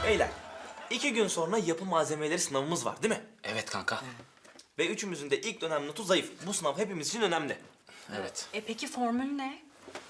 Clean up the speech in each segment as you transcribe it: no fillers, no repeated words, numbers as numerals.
Beyler, 2 gün sonra yapı malzemeleri sınavımız var değil mi? Evet kanka. Ve üçümüzün de ilk dönem notu zayıf. Bu sınav hepimiz için önemli. Evet. Peki formül ne?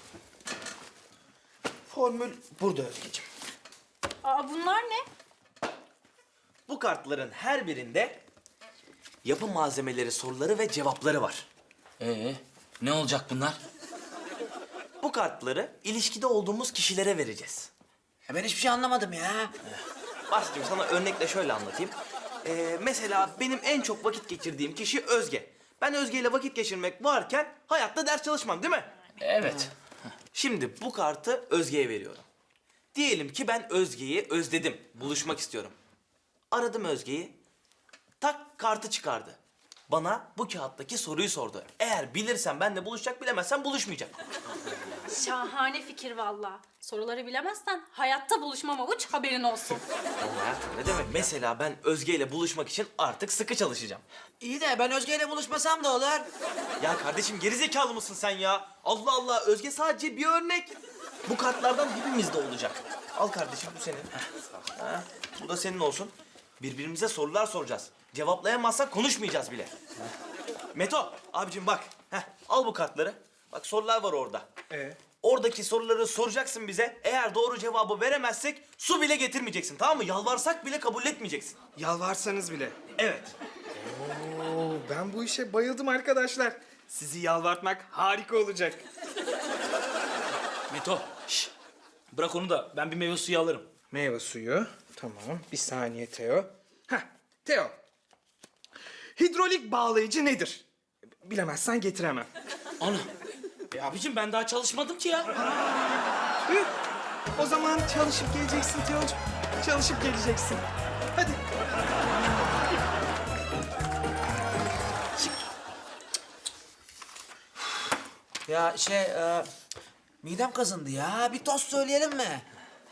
Formül burada Özgeciğim. Bunlar ne? Bu kartların her birinde yapı malzemeleri soruları ve cevapları var. Ne olacak bunlar? Bu kartları ilişkide olduğumuz kişilere vereceğiz. Ben hiçbir şey anlamadım ya. Basit'cim sana örnekle şöyle anlatayım. Mesela benim en çok vakit geçirdiğim kişi Özge. Ben Özge ile vakit geçirmek varken hayatta ders çalışmam değil mi? Evet. Şimdi bu kartı Özge'ye veriyorum. Diyelim ki ben Özge'yi özledim, buluşmak istiyorum. Aradım Özge'yi, tak kartı çıkardı. Bana bu kağıttaki soruyu sordu. Eğer bilirsen benimle buluşacak, bilemezsen buluşmayacak. Şahane fikir valla. Soruları bilemezsen hayatta buluşmama uç, haberin olsun. Ama hayatım ne demek? Mesela ben Özge ile buluşmak için artık sıkı çalışacağım. İyi de ben Özge ile buluşmasam da olur. Ya kardeşim gerizekalı mısın sen ya? Allah Allah, Özge sadece bir örnek. Bu kartlardan hepimizde olacak. Al kardeşim, bu senin. Ha, bu da senin olsun. Birbirimize sorular soracağız. Cevaplayamazsak konuşmayacağız bile. Meto, abicim bak. Al bu kartları. Bak sorular var orada. Oradaki soruları soracaksın bize. Eğer doğru cevabı veremezsek su bile getirmeyeceksin, tamam mı? Yalvarsak bile kabul etmeyeceksin. Yalvarsanız bile. Evet. Oo, ben bu işe bayıldım arkadaşlar. Sizi yalvartmak harika olacak. Meto. Bırak onu da ben bir meyve suyu alırım. Meyve suyu. Tamam. Bir saniye Teo. Teo. Hidrolik bağlayıcı nedir? Bilemezsen getiremem. Ana. Abicim ben daha çalışmadım ki ya. Tüh. O zaman çalışıp geleceksin Teo'cum. Çalışıp geleceksin. Hadi. Ya midem kazındı ya. Bir tost söyleyelim mi?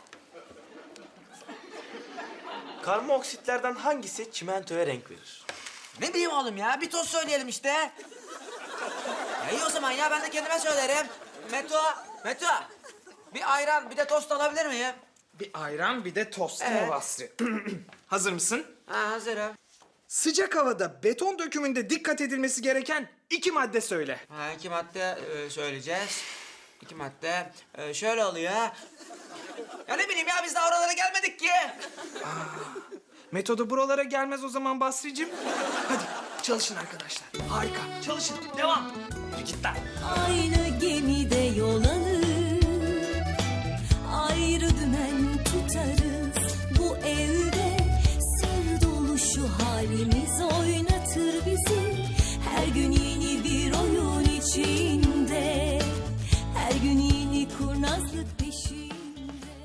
Karbondioksit hangisi çimentoya renk verir? Ne bileyim oğlum ya. Bir tost söyleyelim işte. Ya iyi o zaman ya. Ben de kendime söylerim. Meto. Bir ayran, bir de tost alabilir miyim? Bir ayran, bir de tost Evet. mu Basri? Hazır mısın? Hazırım. Sıcak havada beton dökümünde dikkat edilmesi gereken 2 madde söyle. 2 madde söyleyeceğiz. 2 madde şöyle oluyor. Ya ne bileyim ya, biz daha oralara gelmedik ki. Metodu buralara gelmez o zaman Basri'cim. Hadi çalışın arkadaşlar. Harika. Çalışın. Devam. Git lan. Aynı gemide yol alır, ayrı dümen tutarız. Bu evde sır dolu şu halimiz oynar.